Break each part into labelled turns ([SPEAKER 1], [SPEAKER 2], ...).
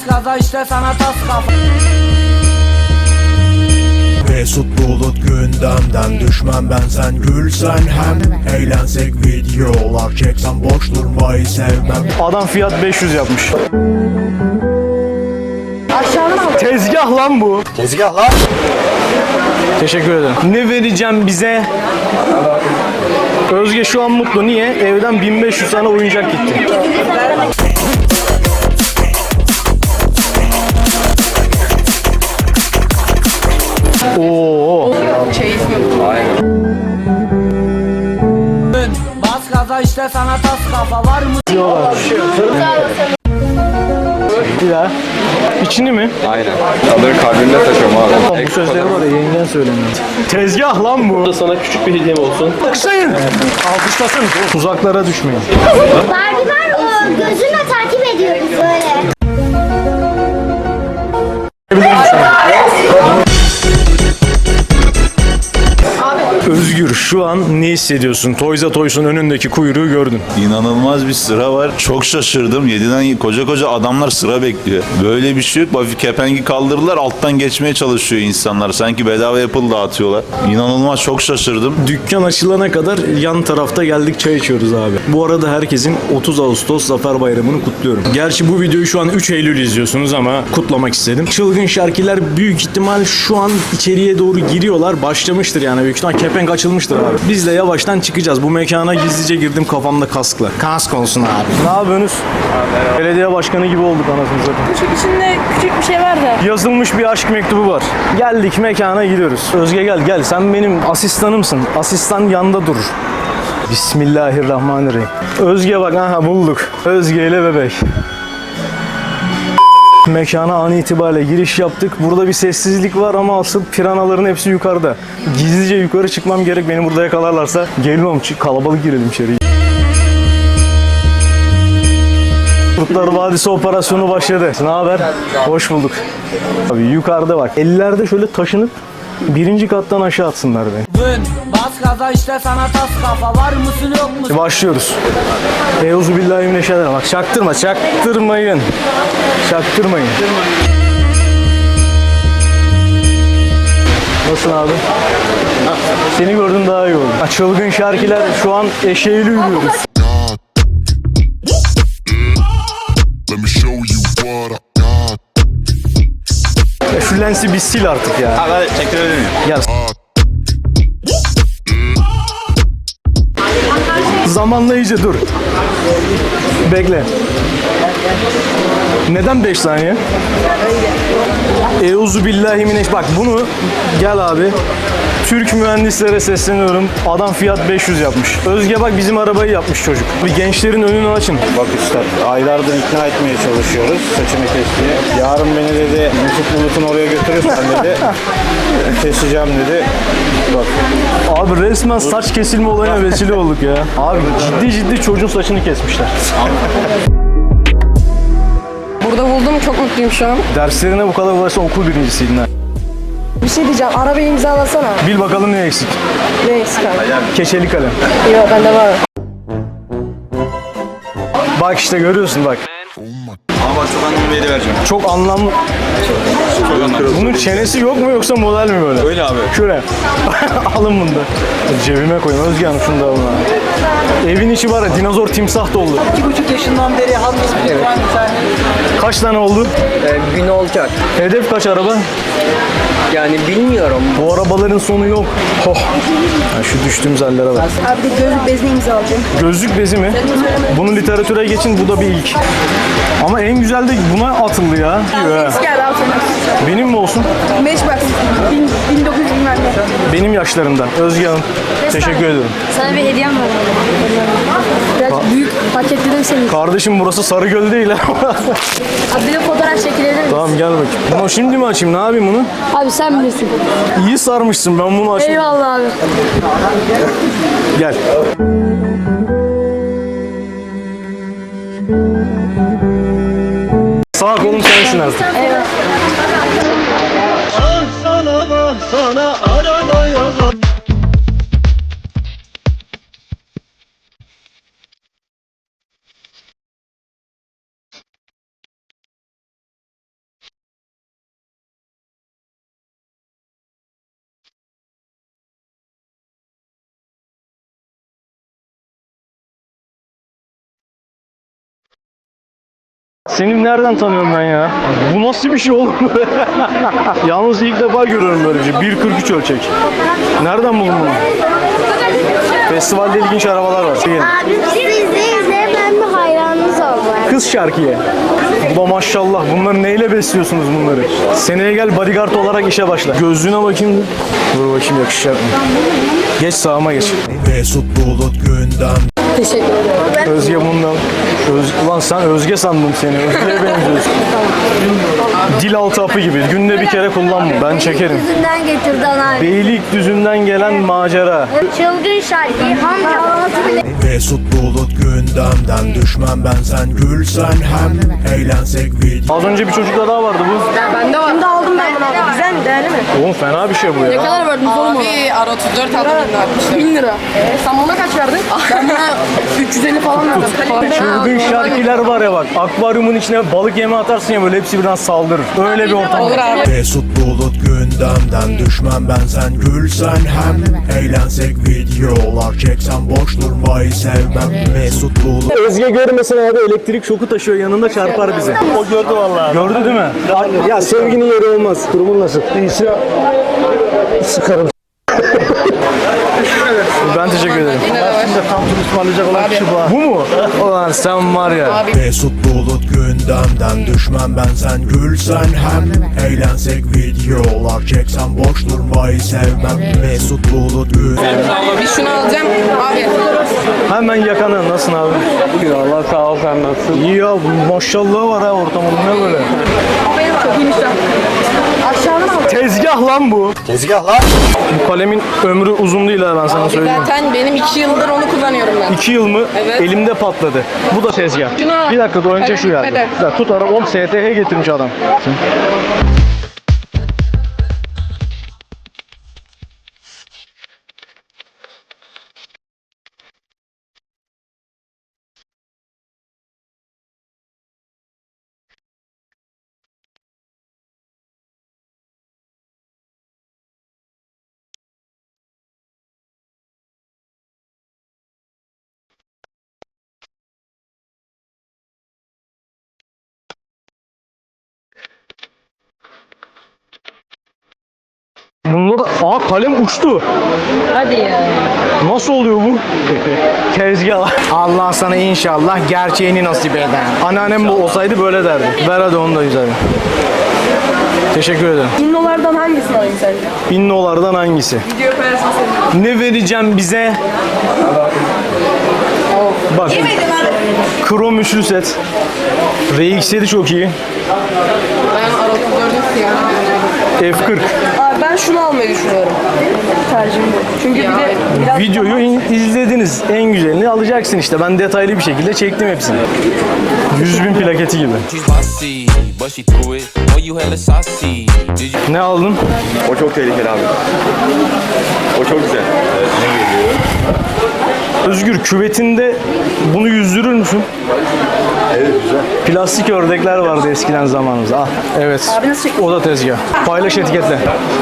[SPEAKER 1] Bas gaza işte sana tas kafa.
[SPEAKER 2] Mesut Bulut gündemden düşmem ben, sen gülsen hem eğlensek, videolar çeksem boş durmayı sevmem.
[SPEAKER 3] Adam fiyat 500 yapmış. Tezgah lan bu.
[SPEAKER 4] Tezgah lan.
[SPEAKER 3] Teşekkür ederim. Ne vereceğim bize? Özge şu an mutlu. Niye? Evden 1500 tane oyuncak gitti. Oo.
[SPEAKER 1] Bas gaza işte sana tas kafa. Var mı?
[SPEAKER 3] Bir daha. İçini mi?
[SPEAKER 4] Aynen. Onları kalbimde taşıyorum abi.
[SPEAKER 3] Bu sözleri var ya, yengen söylemiyor. Tezgah lan bu.
[SPEAKER 5] Sana küçük bir hediyem olsun.
[SPEAKER 3] Alkışlayın. Alkışlasın. Tuzaklara düşmeyin.
[SPEAKER 6] Barbie var, o gözünle takip ediyoruz böyle.
[SPEAKER 3] Özgür, şu an ne hissediyorsun? Toys R Us'un önündeki kuyruğu gördün.
[SPEAKER 7] İnanılmaz bir sıra var. Çok şaşırdım. 7'den koca koca adamlar sıra bekliyor. Böyle bir şey yok. Hafif kepengi kaldırdılar. Alttan geçmeye çalışıyor insanlar. Sanki bedava Apple dağıtıyorlar. İnanılmaz, çok şaşırdım.
[SPEAKER 3] Dükkan açılana kadar yan tarafta geldik, çay içiyoruz abi. Bu arada herkesin 30 Ağustos Zafer Bayramı'nı kutluyorum. Gerçi bu videoyu şu an 3 Eylül izliyorsunuz ama kutlamak istedim. Çılgın şarkılar büyük ihtimal şu an içeriye doğru giriyorlar. Başlamıştır yani, büyük ihtimal kepenk açılmıştır abi. Biz de yavaştan çıkacağız. Bu mekana gizlice girdim kafamda kaskla. Kask olsun abi. Ne yapıyorsunuz? Belediye başkanı gibi olduk anasını satayım.
[SPEAKER 8] Küçük içinde küçük bir şey var da.
[SPEAKER 3] Yazılmış bir aşk mektubu var. Geldik, mekana gidiyoruz. Özge gel. Sen benim asistanımsın. Asistan yanda durur. Bismillahirrahmanirrahim. Özge bak, aha bulduk. Özge ile bebek. Mekana an itibariyle giriş yaptık. Burada bir sessizlik var ama asıl piranaların hepsi yukarıda. Gizlice yukarı çıkmam gerek. Beni burada yakalarlarsa gelmem. Kalabalık girelim içeri. Kurtlar Vadisi operasyonu başladı. Ne haber? Hoş bulduk. Abi yukarıda bak. Ellerde şöyle taşınıp birinci kattan aşağı atsınlar beni.
[SPEAKER 1] Bas gaza işte sana tas kafa. Var mısın yok musun?
[SPEAKER 3] Başlıyoruz. Euzubillahimineşşeytanirracim. Bak çaktırmayın. Çaktırmayın. Nasılsın abi? Seni gördüm daha iyi oldu. Çılgın şarkılar, şu an eşeğiyle yürüyoruz.
[SPEAKER 9] Let me show you what I got.
[SPEAKER 3] Şu lensi bir sil artık ya.
[SPEAKER 7] Hadi çekilebilir miyim?
[SPEAKER 3] Gel. Zamanlayıcı dur. Bekle. Neden 5 saniye? Euzubillahimineşşeytanirracim. Bak bunu, gel abi. Türk mühendislere sesleniyorum. Adam fiyat 500 yapmış. Özge bak, bizim arabayı yapmış çocuk. Bir gençlerin önünü açın.
[SPEAKER 4] Bak üstad, aylardır ikna etmeye çalışıyoruz saçını kesmeye. Yarın beni dedi Mesut Bulut'un oraya götürürsen dedi. Keseceğim dedi. Bak.
[SPEAKER 3] Abi resmen saç kesilme olayına vesile olduk ya. Abi ciddi çocuğun saçını kesmişler.
[SPEAKER 8] Burada buldum, çok mutluyum şu an.
[SPEAKER 3] Derslerine bu kadar uğraşsan okul birincisiydin ha.
[SPEAKER 8] Bir şey diyeceğim, arabayı imzalasana.
[SPEAKER 3] Bil bakalım ne eksik.
[SPEAKER 8] Ne eksik abi?
[SPEAKER 3] Keçeli kalem.
[SPEAKER 8] Yok, bende var.
[SPEAKER 3] Bak işte görüyorsun bak.
[SPEAKER 7] Ama bak, çok anlamlı bir hediye vereceğim.
[SPEAKER 3] Çok anlamlı. Bunun çenesi yok mu yoksa model mi böyle?
[SPEAKER 7] Öyle abi.
[SPEAKER 3] Şöyle. Alın bunu da. Cebime koyun. Özge Hanım şunu da alın abi. Evin içi var ya, dinozor timsah doldu.
[SPEAKER 1] 2,5 yaşından beri halkız bir tane.
[SPEAKER 3] Kaç tane oldu?
[SPEAKER 1] Gün olacak.
[SPEAKER 3] Hedef kaç araba?
[SPEAKER 1] Yani bilmiyorum.
[SPEAKER 3] Bu arabaların sonu yok. Oh. Ya şu düştüğümüz hallere bak.
[SPEAKER 8] Abi de gözlük bezini imzalayacağım.
[SPEAKER 3] Gözlük bezi mi? Bunu literatüre geçin, bu da bir ilk. Ama en güzel de buna atıldı ya.
[SPEAKER 8] Gel al sana.
[SPEAKER 3] Benim mi olsun?
[SPEAKER 8] Matchbox. 1900 bilmem ne.
[SPEAKER 3] Benim yaşlarımdan. Özge Hanım. Teşekkür ederim.
[SPEAKER 8] Sana bir hediyem var. Biraz büyük paketledim seni.
[SPEAKER 3] Kardeşim burası Sarıgöl değil ha.
[SPEAKER 8] Abi bir de fotoğraf çekilebilir misin?
[SPEAKER 3] Tamam gel bakayım. Bunu şimdi mi açayım? Ne yapayım bunu?
[SPEAKER 8] Abi sen bilirsin.
[SPEAKER 3] İyi sarmışsın, ben bunu açayım.
[SPEAKER 8] Eyvallah abi.
[SPEAKER 3] Gel. Sağ kolum sensin artık.
[SPEAKER 8] Eyvallah.
[SPEAKER 5] Sana arabaya
[SPEAKER 3] Seni nereden tanıyorum ben ya? Bu nasıl bir şey oğlum? Yalnız ilk defa görüyorum böyle bir şey. 1.43 ölçek. Nereden buldun bunu? Festivalde ilginç arabalar var. Değil.
[SPEAKER 6] Abi sizi izleye ben bir hayranınız oldum.
[SPEAKER 3] Kız şarkıya. Bu da maşallah. Bunları neyle besliyorsunuz bunları? Seneye gel bodyguard olarak işe başla. Gözlüğüne bakayım. Dur bakayım yakışacak mı? Geç sağıma geç.
[SPEAKER 2] Mesut Bulut gündem.
[SPEAKER 8] Teşekkür ederim.
[SPEAKER 3] Özge bundan. Ulan sen Özge sandım seni. Özge'ye benziyorsun. Dil altı hapı gibi. Günde bir kere kullanma. Ben çekerim.
[SPEAKER 6] Yüzünden getirdi ana.
[SPEAKER 3] Beylikdüzü'nden gelen macera.
[SPEAKER 6] Çılgın şarkıyı ham bile.
[SPEAKER 2] Mesut Bulut gündemden düşmem ben sen gülsen hem eğlensek video.
[SPEAKER 3] Az önce bir çocukla daha vardı bu.
[SPEAKER 8] Bende var. Şimdi aldım ben bunu abi. Güzel mi? Değerli mi?
[SPEAKER 3] Oğlum fena bir şey bu
[SPEAKER 8] Ne
[SPEAKER 3] ya.
[SPEAKER 8] kadar verdin oğlum ona?
[SPEAKER 10] Abi ara 34 aldım
[SPEAKER 8] 1000 lira. Sen buna kaç verdin? Ben buna 350 falan verdim.
[SPEAKER 3] Çılgın şarkılar var ya bak. Akvaryumun içine balık yeme atarsın ya böyle hepsi birden saldırır. Öyle bir ortam.
[SPEAKER 10] Olur abi.
[SPEAKER 2] Mesut Bulut gündemden düşmem ben sen gülsen hem eğlensek videolar çeksen boş durmayı sevmem. Mesut Bulut
[SPEAKER 3] Özge görmesin abi elektrik şoku taşıyor yanında çarpar bize. O gördü vallahi. Gördü değil mi? Ya sevginin yeri olmaz. Durumun nasıl? İyisi sıkarım. Ben teşekkür ederim. Bu mu? Ulan sen var ya.
[SPEAKER 2] Mesut Bulut gündemden düşmem ben sen gülsen hem eğlensek videolar çeksen boş durmayı sevmem. Mesut Bulut
[SPEAKER 10] Bir şunu alacağım. Abi.
[SPEAKER 3] Hemen yakana. Nasılsın abi? İyi Allah sağ ol sen nasılsın? İyi ya maşallah var ha ortamın ne böyle?
[SPEAKER 8] Çok iyiymiş lan. Aşağıdan al.
[SPEAKER 3] Tezgah lan bu. Tezgah lan. Bu kalemin ömrü uzun değil ha ben sana söyleyeyim.
[SPEAKER 10] Zaten benim 2 yıldır onu kullanıyorum ben.
[SPEAKER 3] 2 yıl mı?
[SPEAKER 10] Evet.
[SPEAKER 3] Elimde patladı. Bu da tezgah.
[SPEAKER 10] Şunu-
[SPEAKER 3] Bir dakika dur önce şu
[SPEAKER 10] Hadi,
[SPEAKER 3] geldi.
[SPEAKER 10] hadi.
[SPEAKER 3] Ya tut ara 10 STH getirmiş adam. Bunda da kalem uçtu.
[SPEAKER 10] Hadi ya.
[SPEAKER 3] Nasıl oluyor bu? Tezgah. Allah sana inşallah gerçeğini nasip eder. Anneannem bu olsaydı böyle derdi. Ver hadi onu da güzel. Teşekkür ederim.
[SPEAKER 8] İnnolardan hangisini alayım sence?
[SPEAKER 3] İnnolardan hangisi?
[SPEAKER 8] Video koyarsın senin.
[SPEAKER 3] Ne vereceğim bize? Bak. Krom üçlü set. RX7 çok iyi.
[SPEAKER 10] Ben ara 34'ün siyahını
[SPEAKER 3] F40.
[SPEAKER 8] Abi ben şunu almayı düşünüyorum. Tercihim bu. Çünkü bir de biraz
[SPEAKER 3] Videoyu izlediniz. En güzelini alacaksın işte. Ben detaylı bir şekilde çektim hepsini. 100.000 plaketi gibi. Ne aldın?
[SPEAKER 4] O çok tehlikeli abi. O çok güzel.
[SPEAKER 3] Özgür küvetinde bunu yüzdürür müsün? Evet güzel. Plastik ördekler vardı eskiden zamanımızda. Ah, evet.
[SPEAKER 8] Abi nasıl çekiyorsun?
[SPEAKER 3] O da tezgah. Paylaş etiketle.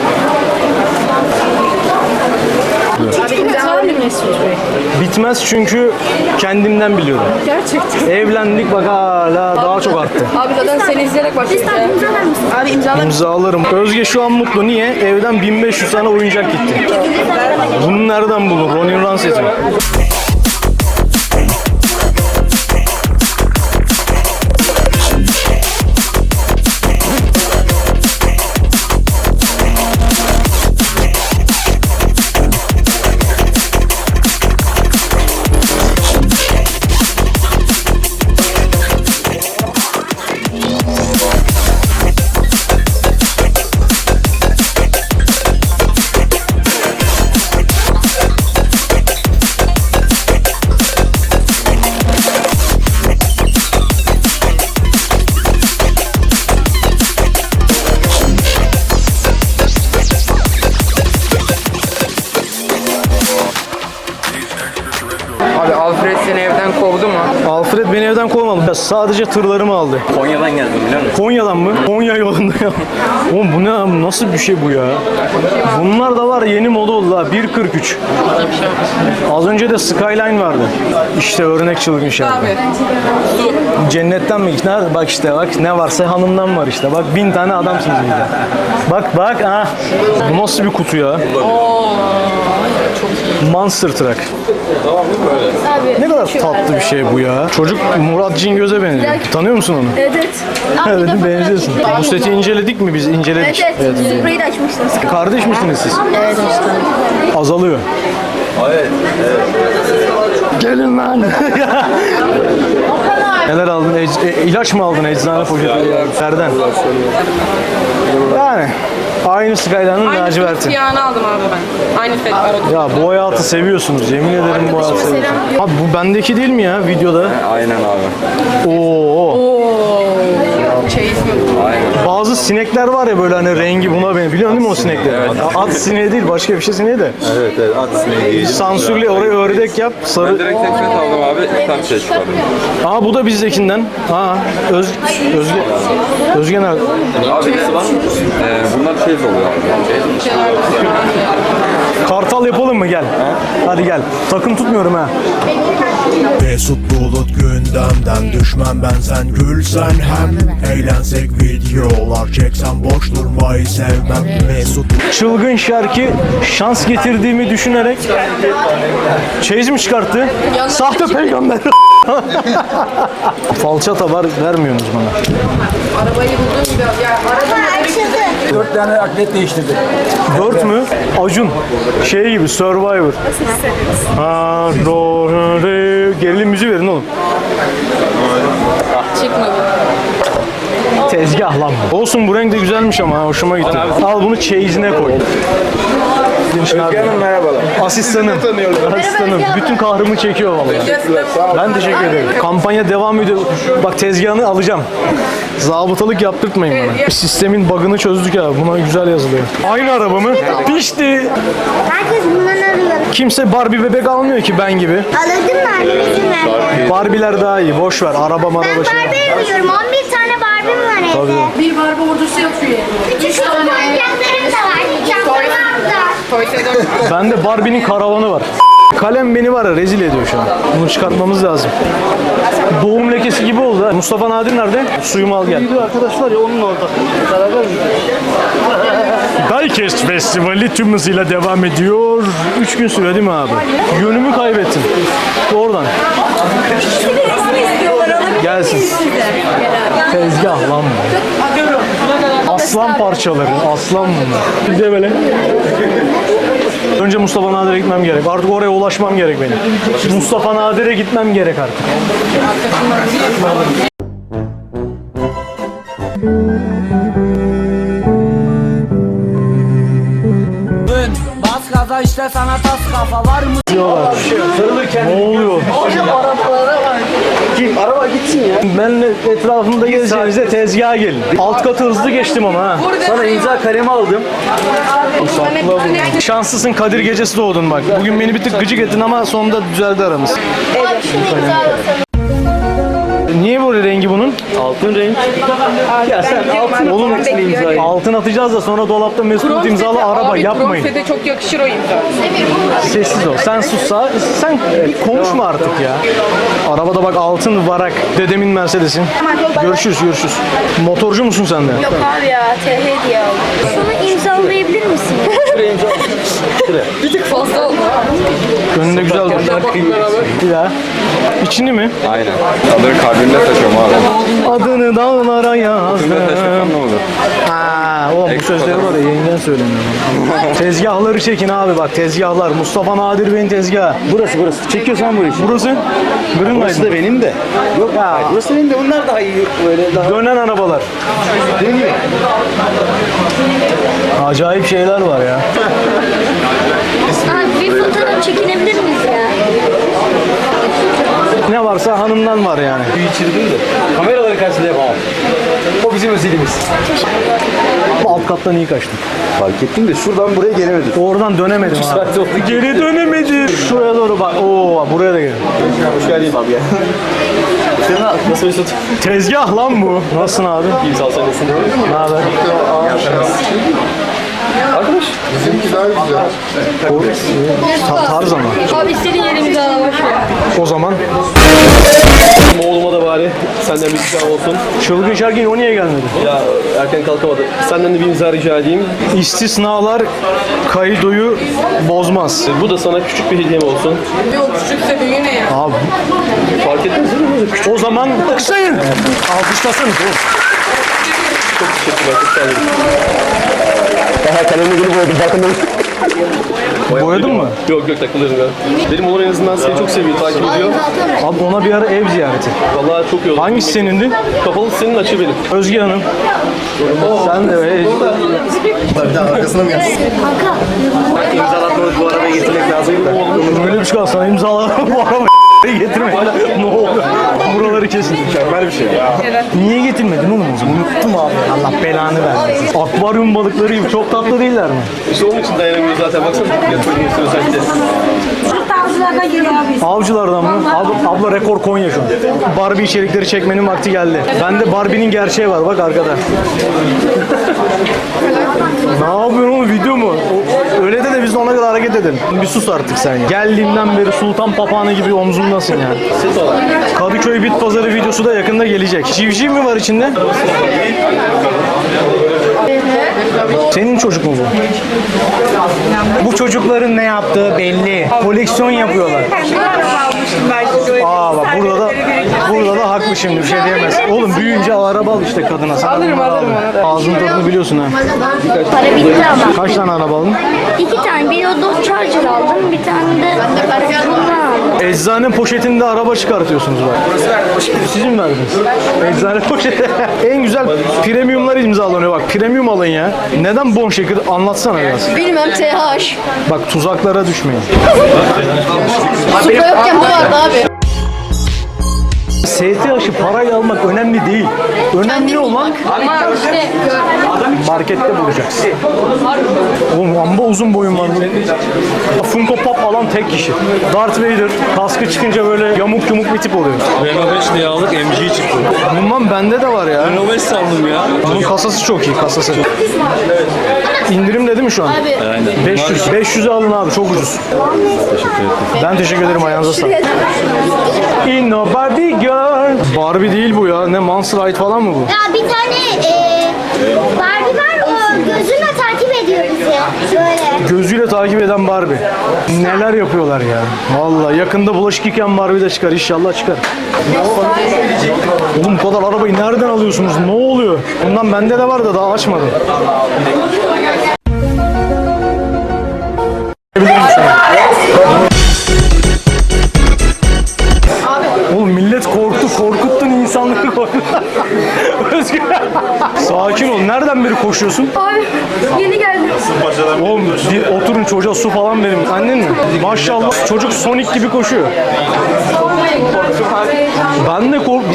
[SPEAKER 8] Abi imzalar mı Mesut Bey?
[SPEAKER 3] Bitmez çünkü kendimden biliyorum.
[SPEAKER 8] Gerçekten.
[SPEAKER 3] Evlendik bak hala daha çok arttı.
[SPEAKER 8] Abi zaten seni izleyerek başladık ya.
[SPEAKER 6] İmzalar mısın?
[SPEAKER 8] Abi imzalar
[SPEAKER 3] İmzalarım. Özge şu an mutlu. Niye? Evden 1500 tane oyuncak gitti. Bunu nereden bulur? Ronin Run seti. Sadece tırlarımı aldı.
[SPEAKER 5] Konya'dan geldim biliyor musun?
[SPEAKER 3] Konya'dan mı? Konya yolunda ya. Oğlum bu ne abi? Nasıl bir şey bu ya? Bunlar da var yeni moda oldu ha. 1.43. Az önce de Skyline vardı. İşte örnek çılgın şarkı.
[SPEAKER 10] Abi. Su.
[SPEAKER 3] Cennetten mi? Nerede? Bak işte bak ne varsa hanımdan var işte. Bak 1000 tane adamsınız burada. Bak bak ha. Bu nasıl bir kutu ya? Monster Truck. Ne kadar tatlı bir şey bu ya. Çocuk Murat Cingöz'e benziyor. Tanıyor musun onu?
[SPEAKER 8] Evet.
[SPEAKER 3] Evet benziyorsun. Bu seti inceledik mi biz? İnceledik.
[SPEAKER 8] Evet. Spreyi de açmışsınız.
[SPEAKER 3] Kardeş misiniz siz?
[SPEAKER 8] Evet işte.
[SPEAKER 3] Azalıyor. Evet. Gelin lan. Neler aldın? İlaç mı aldın eczane poşeti? Nereden? Yani aynı Skyline'ın
[SPEAKER 10] Aynı
[SPEAKER 3] laciverti.
[SPEAKER 10] siyahını aldım abi ben. Aynı set var.
[SPEAKER 3] Ya bu hayatı seviyorsunuz. Yemin ederim bu hayatı seviyorsunuz. Abi bu bendeki değil mi ya videoda?
[SPEAKER 5] Aynen abi.
[SPEAKER 3] Oo.
[SPEAKER 10] Çeyiz mi?
[SPEAKER 3] Bazı sinekler var ya böyle hani rengi buna benziyor. Biliyorsun değil mi o sinekleri? At sineği değil başka bir şey sineği de.
[SPEAKER 7] Evet at sineği.
[SPEAKER 3] Sansürle oraya ördek yap. Sarı.
[SPEAKER 5] Direkt tek set aldım abi. Tam şey çıkardım.
[SPEAKER 3] Aa bu da bizdekinden. Aa Özge nerede?
[SPEAKER 5] Abi ikisi var. Bunlar şey oluyor abi.
[SPEAKER 3] Kartal yapalım mı gel. Hadi gel. Takım tutmuyorum ha.
[SPEAKER 2] Mesut Bulut gündemden düşmem ben sen gülsen hem eğlensek videolar çeksen boş durmayı sevmem Mesut
[SPEAKER 3] Çılgın şarkı şans getirdiğimi düşünerek çeyiz mi çıkarttı? Sahte peygamber. Falçata var vermiyorsunuz bana.
[SPEAKER 10] Arabayı buldum gibi. Ya arabayı
[SPEAKER 1] 4 tane atlet değiştirdi.
[SPEAKER 3] 4 mü? Acun. Şey gibi Survivor. Gerilim müziği verin oğlum.
[SPEAKER 10] çıkmadı.
[SPEAKER 3] Tezgah lan bu. Olsun bu renk de güzelmiş ama hoşuma gitti. Al bunu çeyizine koy. Özge Hanım merhabalar. Asistanım. Asistanım. Bütün kahrımı çekiyor vallahi. Ben teşekkür ederim. Kampanya devam ediyor. Bak tezgahını alacağım. Zabıtalık yaptırtmayın bana. Sistemin bug'ını çözdük ya. Buna güzel yazılıyor. Aynı araba mı? Pişti.
[SPEAKER 6] Herkes bundan arıyor.
[SPEAKER 3] Kimse Barbie bebek almıyor ki ben gibi.
[SPEAKER 6] Alırdın mı annesini?
[SPEAKER 3] Barbie'ler daha iyi. Boş ver. Araba
[SPEAKER 6] Ben
[SPEAKER 3] maraba şey.
[SPEAKER 6] Barbie arıyorum. 11 tane Barbie'm var evde.
[SPEAKER 3] Tabii.
[SPEAKER 8] Bir barba ordusu yapıyor.
[SPEAKER 6] Küçük oyuncaklarım da var. Çantalarım da.
[SPEAKER 10] Toysa 4.
[SPEAKER 3] Bende Barbie'nin karavanı var. Kalem beni var ya rezil ediyor şu an. Bunu çıkartmamız lazım. Doğum lekesi gibi oldu ha. Mustafa Nadir nerede? Suyumu al gel.
[SPEAKER 4] Arkadaşlar ya onun orada. Beraber mi?
[SPEAKER 3] Diecast Festivali tüm hızıyla devam ediyor. 3 gün sürüyor değil mi abi? Yönümü kaybettim. Oradan. Gelsin. Tezgah lan bu. Aslan parçaları. Aslan bunlar. Bir de böyle. Önce Mustafa Nadir'e gitmem gerek. Artık oraya ulaşmam gerek benim. Mustafa Nadir'e gitmem gerek artık.
[SPEAKER 1] Bas gaza işte sana tas kafa var mı?
[SPEAKER 3] Ne oluyor?
[SPEAKER 4] Kim? Araba gitsin ya.
[SPEAKER 3] Benle etrafımda gezeceğinize tezgaha gelin. Alt katı hızlı geçtim ama ha.
[SPEAKER 4] Sana imza kalemi aldım.
[SPEAKER 3] Şanslısın Kadir gecesi doğdun bak. Bugün beni bir tık gıcık ettin ama sonunda düzeldi aramız. Niye böyle rengi bunun?
[SPEAKER 4] Altın renk. Ya sen altın
[SPEAKER 3] Oğlum
[SPEAKER 10] bekliyor.
[SPEAKER 3] altın atacağız da sonra dolapta Mesut imzalı araba yapmayın.
[SPEAKER 10] Bronzede çok yakışır o imza.
[SPEAKER 3] Sessiz ol. Sen sussa sen bir konuşma artık ya. Arabada bak altın varak. Dedemin Mercedes'in. Görüşürüz görüşürüz. Motorcu musun sen de?
[SPEAKER 8] Yok abi ya. TH diye aldım.
[SPEAKER 6] Şunu imzalayabilir misin?
[SPEAKER 10] Bir tık fazla oldu.
[SPEAKER 3] Önünde güzel dur. Bir daha. İçini mi?
[SPEAKER 5] Aynen. Adını kalbimde taşıyorum abi.
[SPEAKER 3] Adını dağlara yazdım.
[SPEAKER 5] Ne olur?
[SPEAKER 3] Aa, oğlum bu sözleri var ya yengen söylemiyor. Tezgahları çekin abi bak tezgahlar. Mustafa Nadir Bey'in tezgahı.
[SPEAKER 4] Burası. Çekiyorsan bu işi.
[SPEAKER 3] Burası? Green
[SPEAKER 4] Burası da benim de. Yok
[SPEAKER 3] ya.
[SPEAKER 4] Burası benim de. Bunlar daha iyi. Böyle daha.
[SPEAKER 3] Dönen arabalar.
[SPEAKER 4] Dönüyor.
[SPEAKER 3] Acayip şeyler var ya.
[SPEAKER 6] Abi bir fotoğraf çekinebilir miyiz ya?
[SPEAKER 3] Ne varsa hanımdan var yani.
[SPEAKER 4] İçirdim de. Kameraları karşısında yapamam. O bizim özelimiz.
[SPEAKER 3] Alt kattan iyi kaçtım.
[SPEAKER 4] Fark ettim de şuradan buraya gelemedim.
[SPEAKER 3] Oradan dönemedim abi. Geri dönemedim. Şuraya doğru bak. Oo buraya da gel.
[SPEAKER 4] Hoş geldin abi ya.
[SPEAKER 11] Nasıl Mesut?
[SPEAKER 3] Tezgah lan bu. Nasılsın abi?
[SPEAKER 11] İyi sağ ol, sen nasılsın?
[SPEAKER 3] Ne haber?
[SPEAKER 11] Arkadaş.
[SPEAKER 3] Tarz ama.
[SPEAKER 8] Abi istediğin yerimizi al boş ver.
[SPEAKER 3] O zaman
[SPEAKER 11] Oğluma da bari senden bir imza olsun.
[SPEAKER 3] Çılgın Şarkı o niye gelmedi?
[SPEAKER 11] Ya erken kalkamadı. Senden de bir imza rica edeyim.
[SPEAKER 3] İstisnalar kaydoyu bozmaz.
[SPEAKER 11] Bu da sana küçük bir hediyem olsun.
[SPEAKER 10] Yok küçükse büyüğü ne ya?
[SPEAKER 3] Abi
[SPEAKER 11] Fark etmez değil mi? Küçük.
[SPEAKER 3] o zaman kısayın. Alkışlasın.
[SPEAKER 11] Çok teşekkürler. Çok sağ olun. Daha kalemle gelip oldu. Bakın.
[SPEAKER 3] Boyadın mı?
[SPEAKER 11] Yok takılıyorum ya. Benim oğlan en azından seni çok seviyor, takip ediyor.
[SPEAKER 3] Abi ona bir ara ev ziyareti.
[SPEAKER 11] Vallahi çok iyi oldu.
[SPEAKER 3] Hangisi senindi?
[SPEAKER 11] Kapalı senin, açı benim.
[SPEAKER 3] Özge Hanım. Sen de
[SPEAKER 11] İmzalatmadık, bu arabaya getirmek lazım da.
[SPEAKER 3] böyle bir şey kalsana imzalar bu arabayı getirme. Ne oldu? Buraları kesin.
[SPEAKER 11] Mükemmel bir şey ya.
[SPEAKER 3] Niye getirmedin oğlum o zaman? Unuttum abi. Allah belanı vermesin. Akvaryum balıkları gibi çok tatlı değiller mi?
[SPEAKER 11] İşte onun için dayanamıyor zaten. Baksana. Yatırım üstüne özellikle.
[SPEAKER 3] Avcılardan mı? Abla rekor Konya şu an. Barbie içerikleri çekmenin vakti geldi. Bende Barbie'nin gerçeği var bak arkada. Ne yapıyorsun oğlum, video mu? Öyle de biz de ona göre hareket edelim. Bir sus artık sen ya. Geldiğimden beri sultan papağanı gibi omzumdasın yani. Kadıköy Bit Pazarı videosu da yakında gelecek. Civciv mi var içinde? Senin çocuk mu bu? Bu çocukların ne yaptığı belli. Koleksiyon yapıyorlar. Aa bak burada da haklı şimdi, bir şey diyemez. Oğlum büyüyünce araba al işte kadına. Sen
[SPEAKER 10] Alırım ona da.
[SPEAKER 3] ağzının tadını biliyorsun ha.
[SPEAKER 6] Para bitti ama.
[SPEAKER 3] Kaç tane araba aldın?
[SPEAKER 6] 2 tane. Bir o Dodge Charger aldım. Bir tane de bundan aldım.
[SPEAKER 3] Eczane poşetinde araba çıkartıyorsunuz bak. Siz mi verdiniz? Eczane poşeti. En güzel premiumlar imzalanıyor bak. Premium alın ya. Neden bon şeker? Anlatsana biraz.
[SPEAKER 8] Bilmem TH.
[SPEAKER 3] Bak tuzaklara düşmeyin.
[SPEAKER 8] Supra yokken bu vardı abi.
[SPEAKER 3] STH'ı parayla almak önemli değil. Önemli olan
[SPEAKER 8] Ama işte
[SPEAKER 3] markette bulacaksın. Oğlum amba uzun boyun var. Funko Pop alan tek kişi. Darth Vader kaskı çıkınca böyle yamuk yumuk bir tip oluyor.
[SPEAKER 11] Renault 5 diye aldık, MG çıktı.
[SPEAKER 3] Bundan bende de var ya.
[SPEAKER 11] Renault 5 sandım ya.
[SPEAKER 3] Bunun kasası çok iyi, kasası. İndirim dedi mi şu an?
[SPEAKER 11] Aynen.
[SPEAKER 3] 500. 500'e alın abi, çok ucuz. Ben teşekkür ederim, ayağınıza sağlık. In a Barbie girl. Barbie değil bu ya. Ne Monster Ride falan mı bu?
[SPEAKER 6] Ya bir tane Barbie var, o gözünle takip ediyor bizi. Böyle.
[SPEAKER 3] Gözüyle takip eden Barbie. Neler yapıyorlar ya. Vallahi yakında bulaşık yıkayan Barbie de çıkar. İnşallah çıkar. Oğlum bu kadar arabayı nereden alıyorsunuz? Ne oluyor? Bundan bende de var da daha açmadım. Oğlum millet korkuttun insanları korkuttun. Özgür. Sakin ol. Nereden beri koşuyorsun?
[SPEAKER 8] Abi yeni geldim.
[SPEAKER 3] Oğlum oturun, çocuğa su falan verin. Annen mi? Maşallah çocuk Sonic gibi koşuyor. Ben de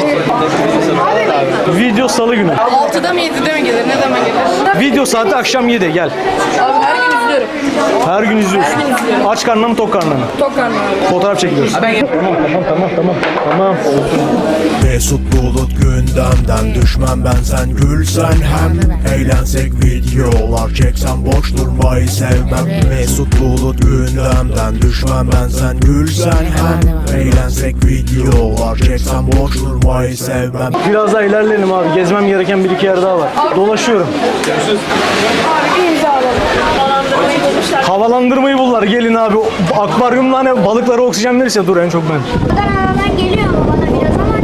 [SPEAKER 3] Video salı günü.
[SPEAKER 10] 6'da mı 7'de mi gelir? Ne zaman gelir?
[SPEAKER 3] Video saati akşam 7 gel.
[SPEAKER 10] Abi her gün izliyorum.
[SPEAKER 3] Her gün izliyorsun. Aç karnına mı tok karnına mı?
[SPEAKER 10] Tok karnı abi.
[SPEAKER 3] Fotoğraf çekiliyoruz. Tamam.
[SPEAKER 2] Mesut Bulut gündemden düşmem ben, sen gülsen hem eğlensek videolar çeksen boş durmayı sevmem. Mesut Bulut gündemden düşmem ben, sen gülsen hem eğlensek videolar çeksen boş durmayı sevmem.
[SPEAKER 3] Biraz daha ilerleyelim abi. Gezmem gereken bir iki yer daha var. Dolaşıyorum.
[SPEAKER 10] Abi bir imza alalım. Havalandırmayı bulmuşlar.
[SPEAKER 3] Havalandırmayı buldular. Gelin abi. Akvaryumla hani balıklara oksijen verirse dur en çok ben.
[SPEAKER 6] Buradan aradan geliyor ama bana biraz ama.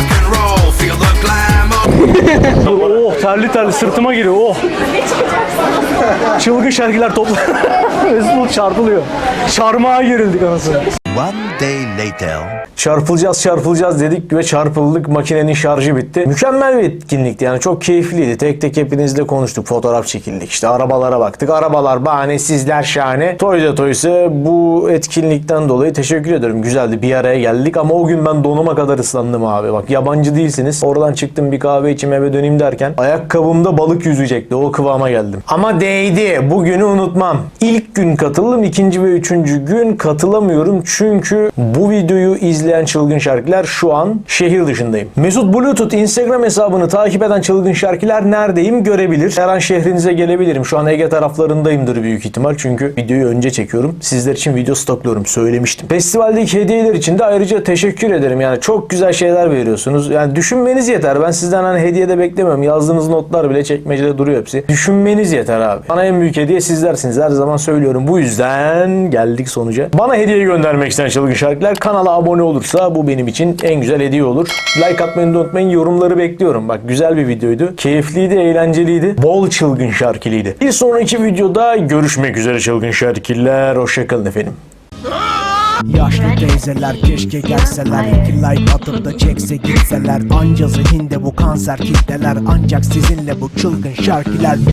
[SPEAKER 3] Oh terli sırtıma giriyor. Oh. Çılgın şarkılar topla. Mesut çarpılıyor. Çarmıha gerildik anasını.
[SPEAKER 2] One day later.
[SPEAKER 3] Çarpılacağız dedik ve çarpıldık. Makinenin şarjı bitti. Mükemmel bir etkinlikti. Yani çok keyifliydi. Tek tek hepinizle konuştuk. Fotoğraf çekildik. İşte arabalara baktık. Arabalar bahane, sizler şahane. Toys'a bu etkinlikten dolayı teşekkür ederim. Güzeldi. Bir araya geldik ama o gün ben donuma kadar ıslandım abi. Bak yabancı değilsiniz. Oradan çıktım, bir kahve içim, eve döneyim derken ayakkabımda balık yüzecekti. O kıvama geldim. Ama değdi. Bugünü unutmam. İlk gün katıldım. İkinci ve üçüncü gün katılamıyorum. Çünkü Çünkü bu videoyu izleyen çılgın şarkılar şu an şehir dışındayım. Mesut Bluetooth Instagram hesabını takip eden çılgın şarkılar neredeyim görebilir. Her an şehrinize gelebilirim. Şu an Ege taraflarındayımdır büyük ihtimal. Çünkü videoyu önce çekiyorum. Sizler için video stokluyorum. Söylemiştim. Festivaldeki hediyeler için de ayrıca teşekkür ederim. Yani çok güzel şeyler veriyorsunuz. Yani düşünmeniz yeter. Ben sizden hani hediye de beklemiyorum. Yazdığınız notlar bile çekmecede duruyor hepsi. Düşünmeniz yeter abi. Bana en büyük hediye sizlersiniz. Her zaman söylüyorum. Bu yüzden geldik sonuca. Bana hediye göndermek isteyen çılgın şarkılar kanala abone olursa bu benim için en güzel hediye olur. Like atmayı da unutmayın. Yorumları bekliyorum. Bak güzel bir videoydu. Keyifliydi, eğlenceliydi. Bol çılgın şarkılıydı. Bir sonraki videoda görüşmek üzere çılgın şarkılar. Hoşçakalın efendim.
[SPEAKER 2] Yaşlı teyzeler keşke gelseler, 2 like atıp da çekse gitseler. Anca zihinde bu kanser kitleler, ancak sizinle bu çılgın şarkılar.